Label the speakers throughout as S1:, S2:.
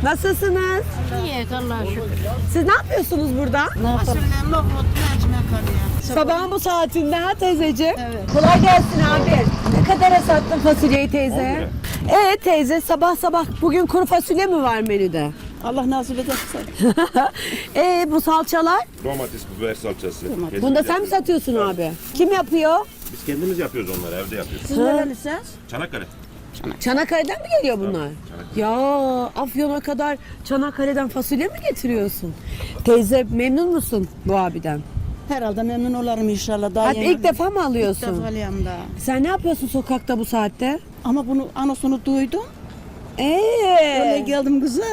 S1: Nasılsınız?
S2: İyi Allah'a şükür.
S1: Siz ne yapıyorsunuz burada?
S2: Ne yapalım?
S3: Fasulye, nohut, mercimek arıyor.
S1: Sabahın bu saatinde ha teyzeciğim?
S3: Evet.
S1: Kolay gelsin abi. Ne kadara sattın fasulyeyi teyze? Teyze sabah sabah bugün kuru fasulye mi var menüde?
S3: Allah nasip ederse.
S1: Bu salçalar?
S4: Domates, biber salçası.
S1: Bunu da sen mi satıyorsun abi? Kim yapıyor?
S4: Biz kendimiz yapıyoruz onları, evde yapıyoruz.
S3: Siz nerelisiniz?
S4: Çanakkale.
S1: Çanakkale'den mi geliyor bunlar? Ya Afyon'a kadar Çanakkale'den fasulye mi getiriyorsun? Teyze memnun musun bu abiden?
S3: Herhalde memnun olurum inşallah. Daha
S1: Hadi
S3: yeni-
S1: ilk defa mı
S3: İlk
S1: alıyorsun?
S3: defa alıyorum daha.
S1: Sen ne yapıyorsun sokakta bu saatte?
S3: Ama bunu anonsunu duydum. Öyle geldim kızım.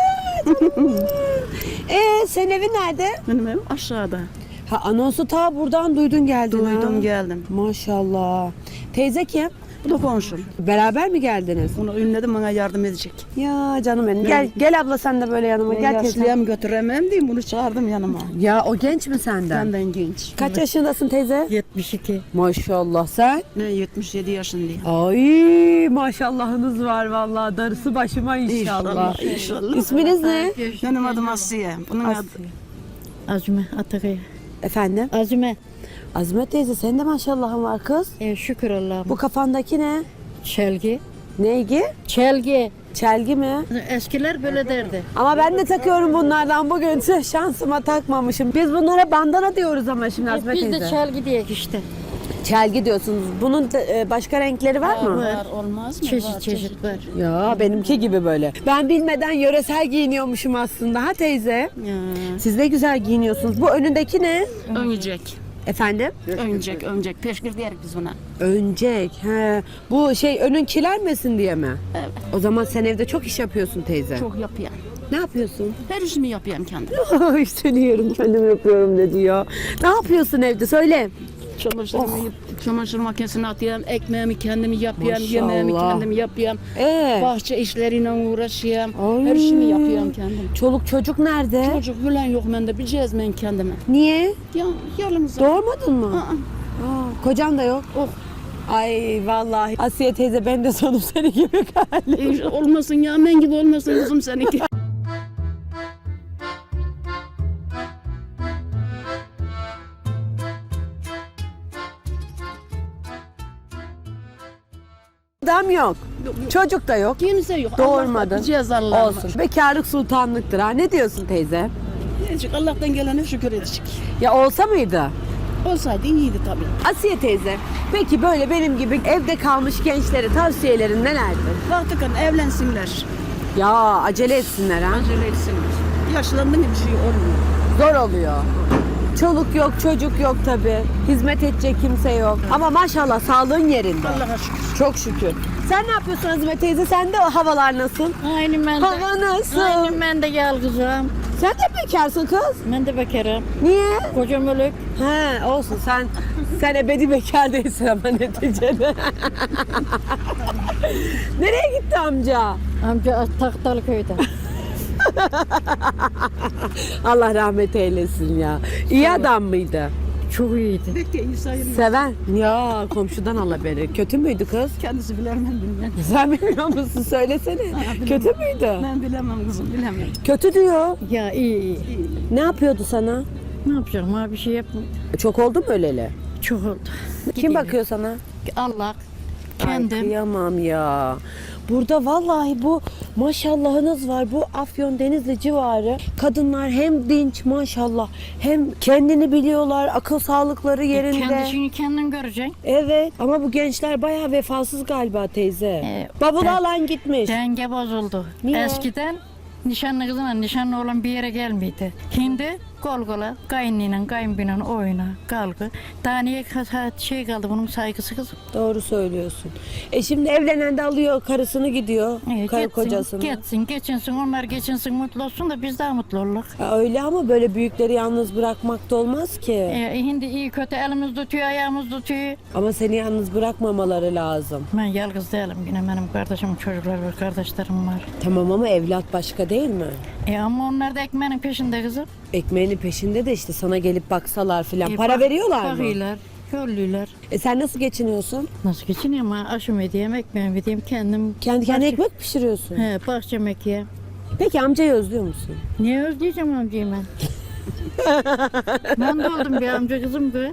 S1: Senin evin nerede?
S3: Benim evim aşağıda.
S1: Ha anonsu ta buradan duydun geldin ha.
S3: Duydum geldim.
S1: Maşallah. Teyze kim?
S3: Bu da komşum.
S1: Beraber mi geldiniz?
S3: Bunu ünledim, bana yardım edecek.
S1: Ya canım benim. Gel abla sen de böyle yanıma.
S3: Ben
S1: Gel teyze.
S3: yaşlıya mı götüremem diyeyim, bunu çağırdım yanıma.
S1: Ya o genç mi senden?
S3: Benden genç.
S1: Kaç yaşındasın teyze?
S3: 72.
S1: Maşallah sen.
S3: Ne 77 yaşındayım.
S1: Ay maşallahınız var vallahi. Darısı başıma inşallah.
S3: İnşallah.
S1: İsminiz ne?
S3: Benim adım Asiye. Bunun adı
S2: Azime Atakaya.
S1: Efendim?
S2: Azime.
S1: Azime teyze senin de maşallahın var kız.
S2: Şükür Allah'ım.
S1: Bu kafandaki ne?
S2: Çelgi.
S1: Neygi?
S2: Çelgi.
S1: Çelgi mi?
S2: Eskiler böyle derdi.
S1: Ama ben de takıyorum bunlardan bugün. Tüh, şansıma takmamışım. Biz bunlara bandana diyoruz ama şimdi Azime
S2: Biz
S1: teyze.
S2: de çelgi diyek işte.
S1: Çelgi diyorsunuz. Bunun başka renkleri var mı?
S3: var, olmaz mı?
S2: Çeşit
S3: Var,
S2: çeşit var.
S1: Ya benimki gibi böyle. Ben bilmeden yöresel giyiniyormuşum aslında ha teyze.
S3: Ya.
S1: Siz de güzel giyiniyorsunuz. Bu önündeki ne?
S3: Öncek.
S1: Efendim?
S3: Öncek. Peşkir diyerek biz buna.
S1: Öncek. He. Bu önün kirlenmesin diye mi?
S3: Evet.
S1: O zaman sen evde çok iş yapıyorsun teyze.
S3: Çok yapıyorum.
S1: Ne yapıyorsun?
S3: Her işimi yapıyorum kendim.
S1: Ay seni yerim kendim yapıyorum dedi ya. Ne yapıyorsun evde söyle.
S3: Çamaşır makinesine atıyorum, ekmeğimi kendim yapıyorum,
S1: Maşallah.
S3: yemeğimi kendim yapıyorum. Bahçe işleriyle uğraşıyorum.
S1: Ay.
S3: Her işimi yapıyorum kendim.
S1: Çoluk çocuk nerede?
S3: Çocuk falan yok bende, bileceğiz ben kendime.
S1: Niye?
S3: Ya yalnız.
S1: Doğurmadın mı?
S3: Aa,
S1: Kocan da yok.
S3: Oh.
S1: Ay vallahi Asiye teyze ben de sonum seni gibi galiba.
S3: Olmasın ya, men gibi olmasın kızım seninki.
S1: Adam yok. Çocuk da yok.
S3: Kimse yok.
S1: Doğurmadın.
S3: Bileceğiz Allah'ım.
S1: Olsun. Bekarlık sultanlıktır ha. Ne diyorsun teyze?
S3: Diyecek, Allah'tan gelene şükür edecek.
S1: Ya olsa mıydı?
S3: Olsaydı iyiydi tabii.
S1: Asiye teyze, peki böyle benim gibi evde kalmış gençlere tavsiyelerin nelerdir?
S3: Baktıkın evlensinler.
S1: Ya acele etsinler ha.
S3: Acele etsinler. Yaşlandın bir şey olmuyor.
S1: Zor oluyor. Çoluk yok, çocuk yok tabii. Hizmet edecek kimse yok. Ama maşallah sağlığın yerinde.
S3: Allah'a şükür.
S1: Çok şükür. Sen ne yapıyorsun Azime teyze? Sende o havalar nasıl?
S2: Aynı ben de.
S1: Hava nasıl?
S2: Aynı ben de yalgızım.
S1: Sen de bekarsın kız.
S2: Ben de bekarım.
S1: Niye?
S2: Kocam ölük.
S1: He olsun sen ebedi bekar değilsin ama neticede. Nereye gitti amca?
S2: Amca Taktalı köyde.
S1: Allah rahmet eylesin ya. İyi adam mıydı?
S2: Çok iyiydi.
S3: Pek de iyi sayılmaz.
S1: Seven. Ya komşudan al haberi. Kötü müydü kız?
S3: Kendisi bilemem bilmem.
S1: Sen bilmiyor musun? Söylesene. Kötü müydü?
S3: Ben bilemem kızım, bilemem.
S1: Kötü diyor.
S2: Ya iyi.
S1: Ne yapıyordu sana?
S2: Ne yapacağım abi, bir şey yapmadım.
S1: Çok oldu mu öleli?
S2: Çok oldu.
S1: Kim bakıyor sana?
S2: Allah.
S1: Ay,
S2: Kendim.
S1: kıyamam ya. Burada vallahi bu maşallahınız var. Bu Afyon Denizli civarı kadınlar hem dinç maşallah hem kendini biliyorlar. Akıl sağlıkları yerinde.
S2: Kendisini kendin göreceksin.
S1: Evet ama bu gençler bayağı vefasız galiba teyze. Bavulu alan gitmiş.
S2: Denge bozuldu.
S1: Niye?
S2: Eskiden nişanlı kızla nişanlı olan bir yere gelmiydi. Şimdi kol kola, kayınlıyla kayınbinen oyna, kalkı. Daha niye şey kaldı bunun saygısı kızım?
S1: Doğru söylüyorsun. Şimdi evlenen de alıyor karısını gidiyor. Karı
S2: Gitsin,
S1: kocasını.
S2: geçinsin, onlar geçinsin, mutlu olsun da biz daha mutlu olalım.
S1: Öyle ama böyle büyükleri yalnız bırakmak da olmaz ki.
S2: Şimdi iyi kötü elimiz tutuyor, ayağımız tutuyor.
S1: Ama seni yalnız bırakmamaları lazım.
S2: Ben yalnız değilim, yine benim kardeşim, çocuklar var, kardeşlerim var.
S1: Tamam ama evlat başka değil mi?
S2: Ama onlar da ekmeğinin peşinde kızım.
S1: Ekmeğinin peşinde de işte sana gelip baksalar filan. Para veriyorlar mı?
S2: Bakıyorlar, yolluyorlar.
S1: Sen nasıl geçiniyorsun?
S2: Nasıl geçiniyorum ha? Aşım edeyim, ekmeğimi edeyim, kendim.
S1: Kendi kendine ekmek pişiriyorsun.
S2: He, bahçem ekeyim.
S1: Peki amcayı özlüyor musun?
S2: Niye özleyeceğim amcayı ben? Ben de oldum bir amca kızım be.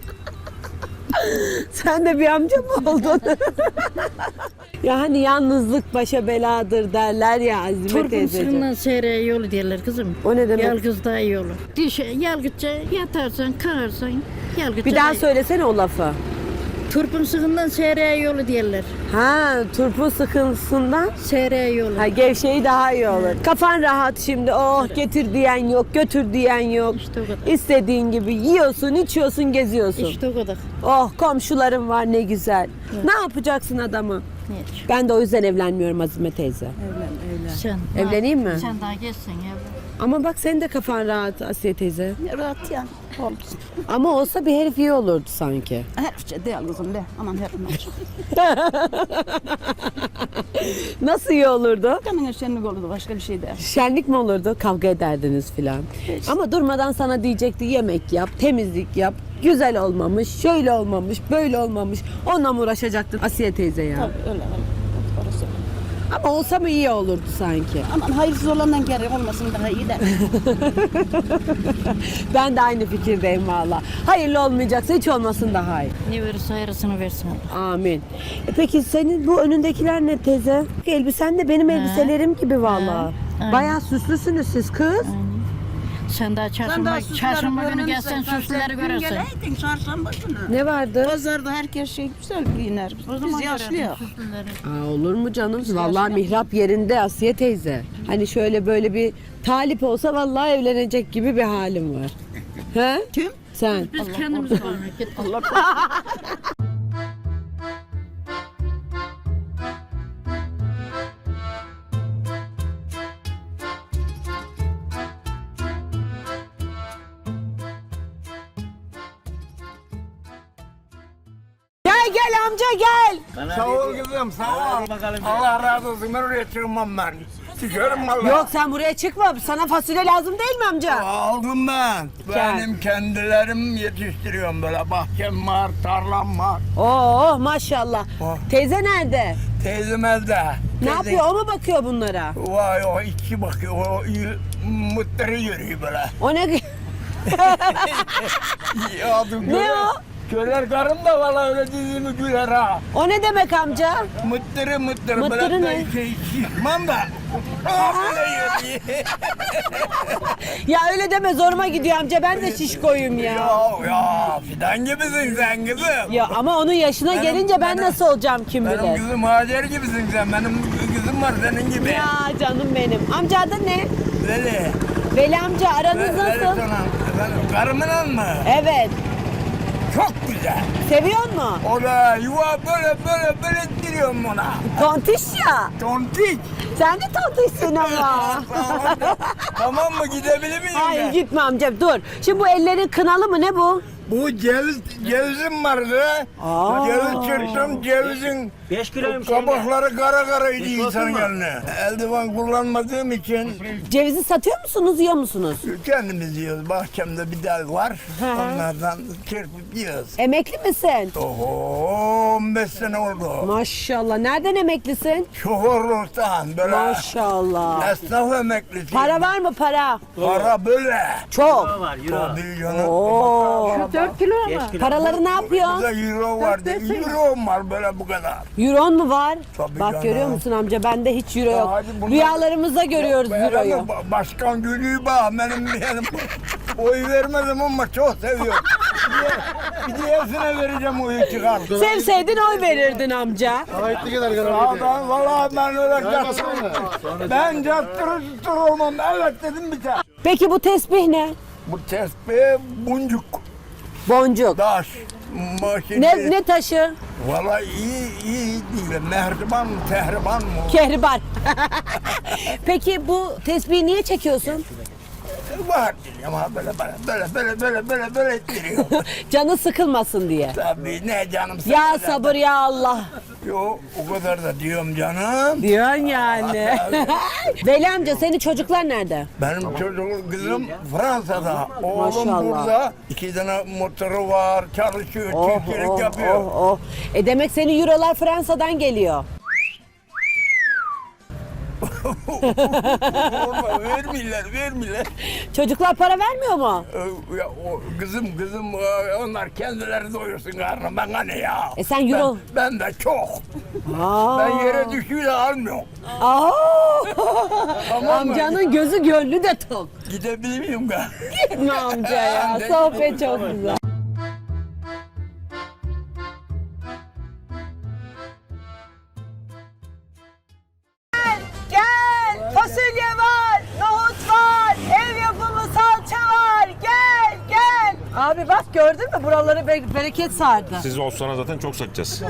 S1: Sen de bir amca mı oldun? Ya hani yalnızlık başa beladır derler ya Azime
S2: Turpun
S1: teyzeciğim.
S2: sırrından seyreye yolu derler kızım.
S1: O ne demek?
S2: Yalgız daha iyi olur. Yalgızca yatarsan, kalkarsan, yalgızca
S1: Bir daha
S2: daha iyi.
S1: söylesene o lafı.
S2: Turpun sırrından seyreye yolu derler.
S1: Ha, turpun sıkıntısından
S2: Seyreye yolu.
S1: ha, gevşeyi daha iyi olur. Kafan rahat şimdi. Oh getir diyen yok, götür diyen yok.
S2: İşte o kadar.
S1: İstediğin gibi yiyorsun, içiyorsun, geziyorsun.
S2: İşte o kadar.
S1: Oh komşularım var ne güzel. Ne yapacaksın adamı?
S2: Hiç.
S1: Ben de o yüzden evlenmiyorum Azime teyze.
S2: Sen.
S1: Evleneyim mi?
S2: Sen daha geçsin ya.
S1: Ama bak senin de kafan rahat Asiye teyze.
S3: Rahat ya. Olsun.
S1: Ama olsa bir herif iyi olurdu sanki.
S3: Her şey değil kızım de. Aman her şey.
S1: Nasıl iyi olurdu?
S3: Kanın şenlik olurdu başka bir şey değil.
S1: Şenlik mi olurdu? Kavga ederdiniz filan. Ama durmadan sana diyecekti yemek yap, temizlik yap. Güzel olmamış, şöyle olmamış, böyle olmamış. Onunla mı uğraşacaktın Asiye teyze ya?
S3: Tabii öyle. Orası.
S1: Ama olsa mı iyi olurdu sanki?
S3: Aman hayırsız olandan geri olmasın daha iyi de.
S1: Ben de aynı fikirdeyim valla. Hayırlı olmayacaksa hiç olmasın daha iyi.
S2: Ne verirse hayırlısını versin.
S1: Amin. Peki senin bu önündekiler ne teyze? Elbisen de benim elbiselerim gibi valla.
S2: Aynen.
S1: Bayağı süslüsünüz siz kız.
S2: Sen daha çarşamba günü gelsen süslüleri görürsün.
S3: Geleydin çarşamba günü.
S1: Ne vardı?
S3: Pazarda herkes şey güzel giyiner. Biz yaşlıyız.
S1: Aa, olur mu canım? Vallahi mihrap yerinde Asiye teyze. Hani şöyle böyle bir talip olsa vallahi evlenecek gibi bir halim var. He?
S3: Kim?
S1: Sen.
S2: Biz kendimiz varmıyor. Git.
S1: Gel gel amca gel.
S5: Sağ ol kızım, sağ ol. Allah razı olsun, ben oraya çıkmam ben. Çıkarım valla.
S1: Yok sen buraya çıkma. Sana fasulye lazım değil mi amca?
S5: Aldım ben. Benim kendilerim yetiştiriyorum böyle. Bahçem var, tarlam var.
S1: Oo maşallah.
S5: Oh.
S1: Teyze nerede?
S5: Teyzem evde.
S1: Ne yapıyor? O mu bakıyor bunlara?
S5: Vay o iki bakıyor, o mutları yürüyor böyle.
S1: O ne? Ne o?
S5: Köler karım da valla öyle dizimi güler ha.
S1: O ne demek amca?
S5: Mıttırı
S1: Mıttırı
S5: böyle
S1: ne?
S5: Çıkmam da. Aa, böyle yürüyor.
S1: Ya öyle deme zoruma gidiyor amca. Ben de şişkoyum ya.
S5: Ya fidan gibisin sen kızım.
S1: Ya ama onun yaşına
S5: Benim-
S1: gelince ben
S5: benim-
S1: nasıl olacağım kim
S5: Benim
S1: bilir.
S5: kızım Hacer gibisin sen. Benim kızım var senin gibi.
S1: Ya canım benim. Amca adı ne?
S5: Veli.
S1: Veli amca aranız
S5: Veli
S1: nasıl?
S5: sana. Efendim, karımınla mı?
S1: Evet.
S5: Çok güzel.
S1: Seviyor mu?
S5: O da yuva böyle ettiriyorum ona.
S1: Tontiş ya.
S5: Tontik.
S1: Sen de tontişsin ama.
S5: Tamam mı gidebilir miyim
S1: Hayır
S5: ben?
S1: gitme amca dur. Şimdi bu ellerin kınalı mı ne bu?
S5: Bu cevizim vardı.
S1: Aa.
S5: Ceviz çırptım cevizin
S6: 5 kiloyum
S5: kabakları karaydı insanın eline. Eldiven kullanmadığım için
S1: Cevizi satıyor musunuz yiyor musunuz?
S5: kendimiz yiyoruz. Bahçemde bir dal var.
S1: Hı.
S5: Onlardan çırpıp yiyoruz.
S1: Emekli misin?
S5: Oho 15 sene oldu.
S1: Maşallah. Nereden emeklisin?
S5: Şoförlükten böyle
S1: Maşallah.
S5: esnaf emeklisi.
S1: Para var mı para?
S5: Para böyle.
S1: Çok.
S6: var euro.
S5: Tabii canım.
S1: Oo.
S2: 4 kilo ama.
S6: 5 kilo.
S1: Paraları ne yapıyorsun?
S5: Burada euro vardı. Euro var böyle bu kadar.
S1: Euron mu var?
S5: Tabii
S1: Bak
S5: canım.
S1: görüyor musun amca bende hiç euro
S5: Ya
S1: yok.
S5: hadi bunlar-
S1: Rüyalarımızda görüyoruz
S5: Benim
S1: euroyu.
S5: Başkan Gülü'yü bak benim oy vermedim ama çok seviyorum. Bir diğersine vereceğim oyu çıkar.
S1: Sevseydin oy verirdin amca.
S5: Sağdan valla ben öyle cattırır. Ben cattırır tutur olmam. Evet dedim biter.
S1: Peki bu tesbih ne?
S5: Bu tespih buncuk,
S1: Boncuk.
S5: daş, maşini.
S1: Ne taşı?
S5: Valla iyi değil. Mehriban mı, tehriban mı?
S1: Kehribar. Peki bu tesbihi niye çekiyorsun?
S5: Var ama böyle ettiriyor.
S1: Canı sıkılmasın diye.
S5: Tabii ne canım
S1: Ya
S5: sıkılacak.
S1: sabır ya Allah.
S5: Yo o kadar da diyorum canım.
S1: Diyorsun yani. Veli amca senin çocuklar nerede?
S5: Benim çocuğum kızım Fransa'da. Oğlum
S1: Maşallah.
S5: burada. 2 tane motoru var. Çalışıyor, çiftçilik yapıyor.
S1: Demek senin eurolar Fransa'dan geliyor.
S5: Orada vermiyorlar.
S1: Çocuklar para vermiyor mu?
S5: Ya, kızım onlar kendileri doyursun karnı bana ne ya?
S1: Sen euro...
S5: Ben de çok.
S1: Aa.
S5: Ben yere düşüyor da almıyorum.
S1: Aa.
S5: Tamam mı?
S1: Amcanın gözü gönlü de tok.
S5: Gidebilir miyim ben?
S1: Gitme amca ya. Sohbet çok güzel. Gel, fasulye var, nohut var, ev yapımı salça var. Gel, gel. Abi bak gördün mü? Buraları bereket sardı.
S4: Siz olsana zaten çok satacağız.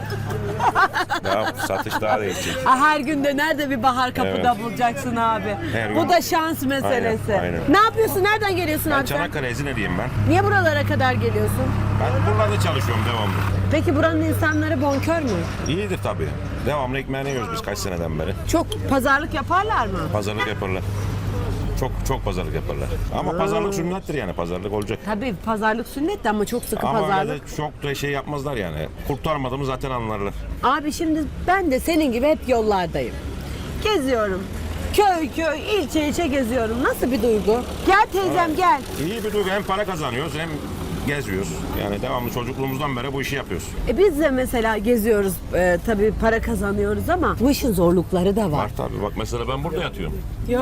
S4: Ya satış daha da geçecek.
S1: Her günde nerede bir bahar kapıda
S4: Evet.
S1: bulacaksın abi.
S4: Her
S1: Bu
S4: gün.
S1: da şans meselesi.
S4: Aynen.
S1: Ne yapıyorsun? Nereden geliyorsun
S4: Ben
S1: abi sen?
S4: Çanakkale Ezine'liyim ben.
S1: Niye buralara kadar geliyorsun?
S4: Ben buralarda çalışıyorum devamlı.
S1: Peki buranın insanları bonkör mü?
S4: İyidir tabii. Devamlı ekmeğini yiyoruz biz kaç seneden beri.
S1: Çok pazarlık yaparlar mı?
S4: Pazarlık yaparlar. Çok pazarlık yaparlar. Ama pazarlık sünnettir yani pazarlık olacak.
S1: Tabii pazarlık sünnet de ama çok sıkı
S4: Ama öyle
S1: pazarlık.
S4: de çok da şey yapmazlar yani. Kurtarmadığımı zaten anlarlar.
S1: Abi şimdi ben de senin gibi hep yollardayım. Geziyorum. Köy ilçe geziyorum. Nasıl bir duygu? Gel teyzem gel.
S4: İyi bir duygu, hem para kazanıyoruz hem geziyoruz. Yani devamlı çocukluğumuzdan beri bu işi yapıyoruz.
S1: Biz de mesela geziyoruz. Tabii para kazanıyoruz ama bu işin zorlukları da var.
S4: Var tabii, bak mesela ben burada yatıyorum.
S1: Ya.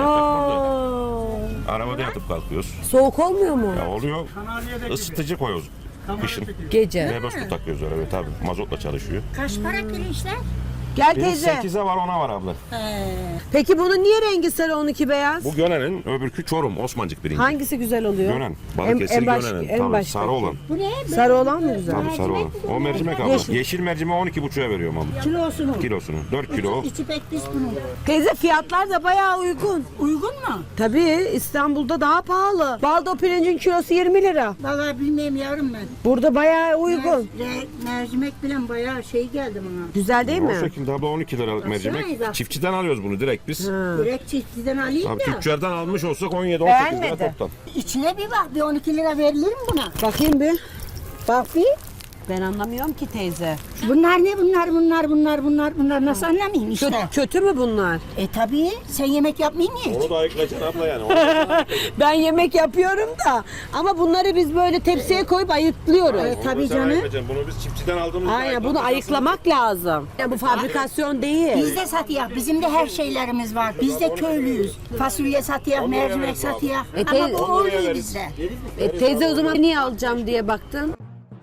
S4: Arabada yatıp kalkıyoruz.
S1: Soğuk olmuyor mu?
S4: Ya oluyor, ısıtıcı koyuyoruz kışın.
S1: Gece.
S4: Mebus takıyoruz öyle tabii, mazotla çalışıyor.
S6: Kaç para pirinçler?
S1: Gel
S4: Biri
S1: teyze.
S4: 8'e var 10'a var abla.
S1: Peki bunun niye rengi sarı 12 beyaz?
S4: Bu Gönen'in, öbürkü Çorum, Osmancık birinci.
S1: Hangisi güzel oluyor?
S4: Gönen, Balıkesir Gönen'in. Tabii
S1: baştaki.
S4: sarı olan.
S6: Bu ne?
S1: Sarı olan mı güzel?
S4: Tabii sarı olan. O mercimek abla. Yeşil mercimeği 12,5'a veriyorum abla.
S6: Kilosunu.
S4: Kilosunu. 4 kilo.
S6: İçi pek pis bunun.
S1: Teyze fiyatlar da bayağı uygun.
S6: Uygun mu?
S1: Tabii İstanbul'da daha pahalı. Baldo pirincin kilosu 20 lira.
S6: Vallahi bilmiyorum yavrum ben.
S1: Burada bayağı uygun.
S6: Mercimek bilen bayağı şey geldi bana.
S1: Güzel değil
S4: O
S1: mi?
S4: şekilde abla 12 liralık mercimek.
S6: Baksanıza.
S4: Çiftçiden alıyoruz bunu direkt biz.
S6: Direkt çiftçiden alayım
S4: Tabii
S6: da.
S4: tüccardan almış olsak 17-18 lira
S1: Beğenmedi.
S4: toptan.
S6: İçine bir bak. Bir 12 lira verilir mi buna?
S1: Bakayım bir.
S6: Bak bir.
S1: Ben anlamıyorum ki teyze.
S6: Bunlar ne bunlar nasıl anlamayayım işte.
S1: Kötü mü bunlar?
S6: Tabii sen yemek yapmayın niye?
S4: Onu da ayıklayacaksın abla yani.
S1: Ben yemek yapıyorum da ama bunları biz böyle tepsiye koyup ayıklıyoruz.
S6: Tabii canım.
S4: Bunu biz çiftçiden aldığımız
S1: Aynen bunu ayıklamak lazım. Yani bu fabrikasyon değil.
S6: Biz de satıyor. Bizim de her şeylerimiz var. Biz de köylüyüz. Fasulye satıyor, mercimek satıyor. Ama bu oluyor bizde.
S1: Teyze o zaman niye alacağım diye baktın.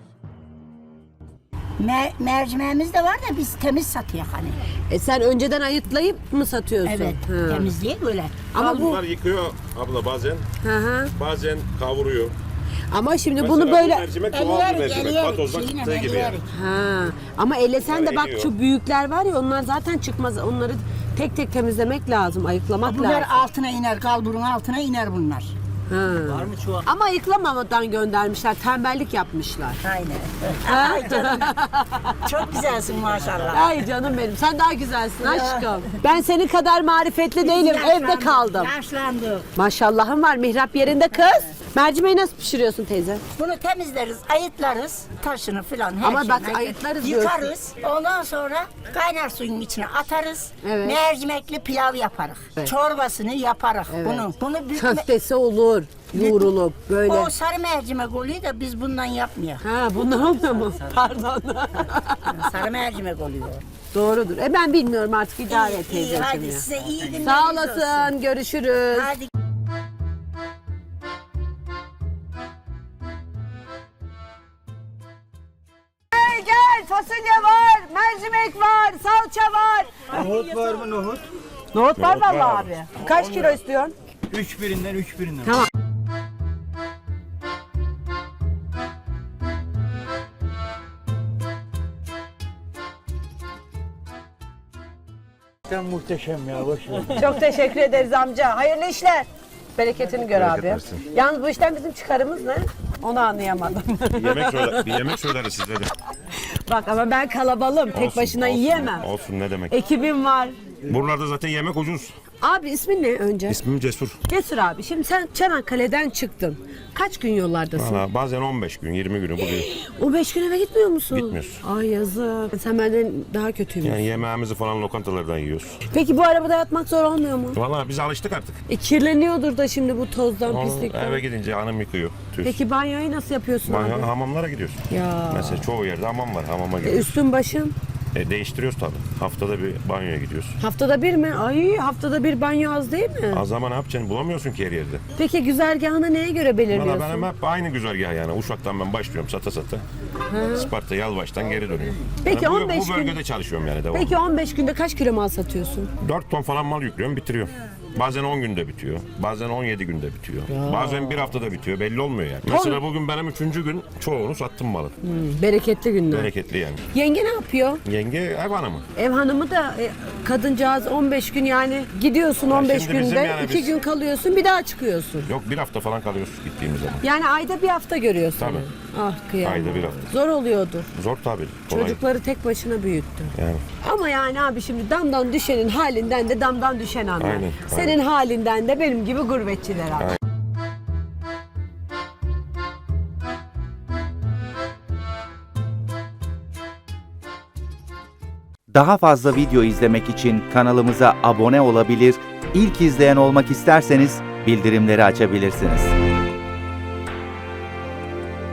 S6: Mercimeğimiz de var da biz temiz satıyor hani.
S1: Sen önceden ayıtlayıp mı satıyorsun?
S6: Evet,
S1: Ha.
S6: temizliği böyle.
S1: Ama bu
S4: Bunlar yıkıyor abla bazen.
S1: hı.
S4: Bazen kavuruyor.
S1: Ama şimdi
S4: Mesela
S1: bunu
S4: bu
S1: böyle
S4: mercimek doğal bir
S6: Ellerik,
S4: mercimek.
S6: ellerik.
S4: Patozdan
S6: Şeyine
S4: çıktığı gibi yani.
S6: ellerik.
S1: ha. Ama ellesen de bak
S4: Eriyor.
S1: şu büyükler var ya onlar zaten çıkmaz. Onları tek tek temizlemek lazım, ayıklamak
S6: Bunlar
S1: lazım.
S6: altına iner, kalburun altına iner bunlar.
S1: Ha. Ama ayıklamamadan göndermişler, tembellik yapmışlar.
S6: Aynen. Ay canım. Çok güzelsin maşallah.
S1: Ay canım benim, sen daha güzelsin aşkım. Ben senin kadar marifetli değilim, evde kaldım.
S6: Yaşlandık.
S1: Maşallahım var, mihrap yerinde kız. Mercimeği nasıl pişiriyorsun teyze?
S6: Bunu temizleriz, ayıtlarız, taşını filan her
S1: Ama bak
S6: şeyini
S1: ayıtlarız
S6: yıkarız. Ondan sonra kaynar suyun içine atarız.
S1: Evet.
S6: Mercimekli pilav yaparız.
S1: Evet.
S6: Çorbasını yaparız bunu. Bunu
S1: Köftesi olur, yoğrulup böyle.
S6: o sarı mercimek oluyor da biz bundan yapmıyoruz.
S1: Ha bunlar olmuyor mu? Pardon.
S6: Sarı mercimek oluyor.
S1: Doğrudur. Ben bilmiyorum artık idare et
S6: İyi,
S1: teyzeciğim
S6: hadi
S1: ya.
S6: size iyi günler.
S1: Sağ olasın, görüşürüz.
S6: Hadi.
S1: Gel fasulye var, mercimek var, salça var.
S5: Nohut var mı nohut?
S1: Nohut var
S4: Nohut var
S1: vallahi
S4: abi.
S1: abi. Kaç kilo istiyorsun?
S5: 3 birinden 3 birinden.
S1: Tamam.
S5: Sen muhteşem ya boş ver.
S1: Çok teşekkür ederiz amca. Hayırlı işler. Bereketini gör
S4: Bereket
S1: abi.
S4: versin.
S1: Yalnız bu işten bizim çıkarımız ne? Onu anlayamadım.
S4: Bir yemek söyleriz size de.
S1: Bak ama ben kalabalığım. Tek
S4: Olsun,
S1: başına
S4: olsun.
S1: yiyemem.
S4: Olsun ne demek.
S1: Ekibim var.
S4: Buralarda zaten yemek ucuz.
S1: Abi ismin ne önce?
S4: İsmim Cesur.
S1: Cesur abi. Şimdi sen Çanakkale'den çıktın. Kaç gün yollardasın?
S4: Valla bazen 15 gün, 20 günü buluyor.
S1: O 5 gün eve gitmiyor musun?
S4: Gitmiyoruz.
S1: Ay yazık. Sen benden daha kötüymüş.
S4: Yani yemeğimizi falan lokantalardan yiyoruz.
S1: Peki bu arabada yatmak zor olmuyor mu?
S4: Valla biz alıştık artık.
S1: Kirleniyordur da şimdi bu tozdan,
S4: Onu
S1: pislikten.
S4: eve gidince hanım yıkıyor. Tüs.
S1: Peki banyoyu nasıl yapıyorsun abi?
S4: Hamamlara gidiyoruz.
S1: Ya.
S4: Mesela çoğu yerde hamam var. Hamama gidiyoruz.
S1: Üstün başın?
S4: Değiştiriyoruz tabii. Haftada bir banyoya gidiyoruz.
S1: Haftada bir mi? Ay haftada bir banyo az değil mi?
S4: Az zaman ne yapacaksın? Bulamıyorsun ki her yerde.
S1: Peki güzergahını neye göre
S4: Valla
S1: belirliyorsun?
S4: benim hep aynı güzergah yani. Uşak'tan ben başlıyorum sata. Isparta, Yalvaç'tan geri dönüyorum.
S1: Peki,
S4: Yani
S1: 15
S4: bu bölgede
S1: gün-
S4: çalışıyorum yani devamlı.
S1: Peki 15 günde kaç kilo mal satıyorsun?
S4: 4 ton falan mal yüklüyorum, bitiriyorum. Bazen 10 günde bitiyor. Bazen 17 günde bitiyor. Bazen bir haftada bitiyor. Belli olmuyor yani. Mesela bugün benim 3. gün çoğunu sattım malı.
S1: Bereketli günler.
S4: Bereketli yani.
S1: Yenge ne yapıyor?
S4: Yenge ev hanımı.
S1: Ev hanımı da kadıncağız 15 gün yani gidiyorsun 15
S4: şimdi bizim
S1: günde
S4: yani
S1: 2
S4: biz-
S1: gün kalıyorsun bir daha çıkıyorsun.
S4: Yok bir hafta falan kalıyoruz gittiğimiz zaman.
S1: Yani ayda bir hafta görüyorsun.
S4: Tabii.
S1: Ah kıyamam.
S4: Ayda bir hafta.
S1: Zor oluyordur.
S4: Zor tabii. Kolay.
S1: Çocukları tek başına büyüttü.
S4: Yani.
S1: Ama yani abi şimdi damdan düşenin halinden de damdan düşen anlar.
S4: Aynen,
S1: Senin halinden de benim gibi gurbetçiler anlar.
S4: Aynen.
S7: Daha fazla video izlemek için kanalımıza abone olabilir, ilk izleyen olmak isterseniz bildirimleri açabilirsiniz.